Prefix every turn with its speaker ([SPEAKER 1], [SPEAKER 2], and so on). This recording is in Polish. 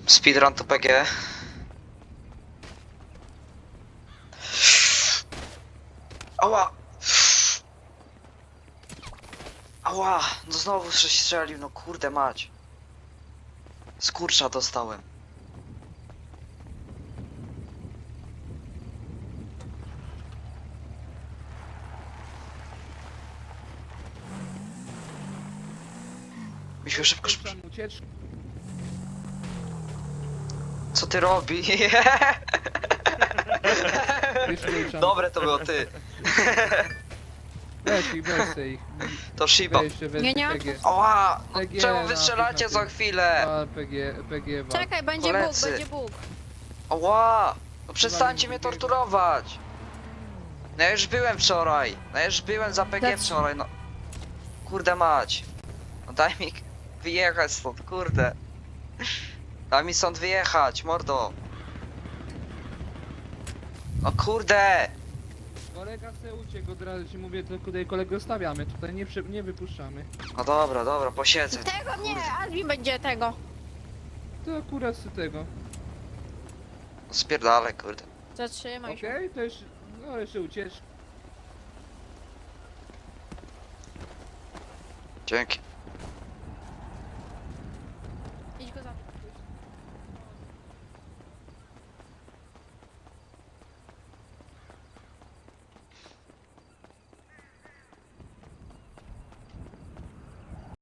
[SPEAKER 1] Speedrun to PG. Ała! Ała! No znowu coś strzelił, no kurde mać. Skurcza dostałem. Misiu, szybko, szybko.
[SPEAKER 2] Ucieczki.
[SPEAKER 1] Co ty robi? Dobre to było, ty.
[SPEAKER 2] Weź ich, weź se ich.
[SPEAKER 1] To Shiba.
[SPEAKER 2] Weź się, weź
[SPEAKER 3] Nie, nie mam
[SPEAKER 2] PG.
[SPEAKER 1] Ała! No
[SPEAKER 2] PG
[SPEAKER 1] czemu
[SPEAKER 2] na
[SPEAKER 1] wy strzelacie
[SPEAKER 2] tym,
[SPEAKER 1] za
[SPEAKER 2] na tym.
[SPEAKER 1] chwilę?
[SPEAKER 2] Wal PG wal.
[SPEAKER 3] Czekaj, będzie
[SPEAKER 1] Koledzy.
[SPEAKER 3] Bóg, będzie Bóg.
[SPEAKER 1] Ała! No przestańcie mnie
[SPEAKER 2] drugiego.
[SPEAKER 1] torturować! No ja już byłem wczoraj. No ja już byłem za PG
[SPEAKER 3] Dlac-
[SPEAKER 1] wczoraj, no. Kurde mać. No daj mi wyjechać stąd, kurde. Daj mi stąd wyjechać, mordo. No kurde!
[SPEAKER 2] Kolega chce uciekł, od razu ci mówię, to tutaj kolegę stawiamy, tutaj nie wypuszczamy.
[SPEAKER 1] No dobra, dobra, posiedzę.
[SPEAKER 3] Tego nie, Albi będzie tego.
[SPEAKER 2] To akurat z tego.
[SPEAKER 1] Spierdalaj, kurde.
[SPEAKER 3] Zatrzymaj się.
[SPEAKER 2] Okej, to jeszcze, no jeszcze ucieczka.
[SPEAKER 1] Dzięki.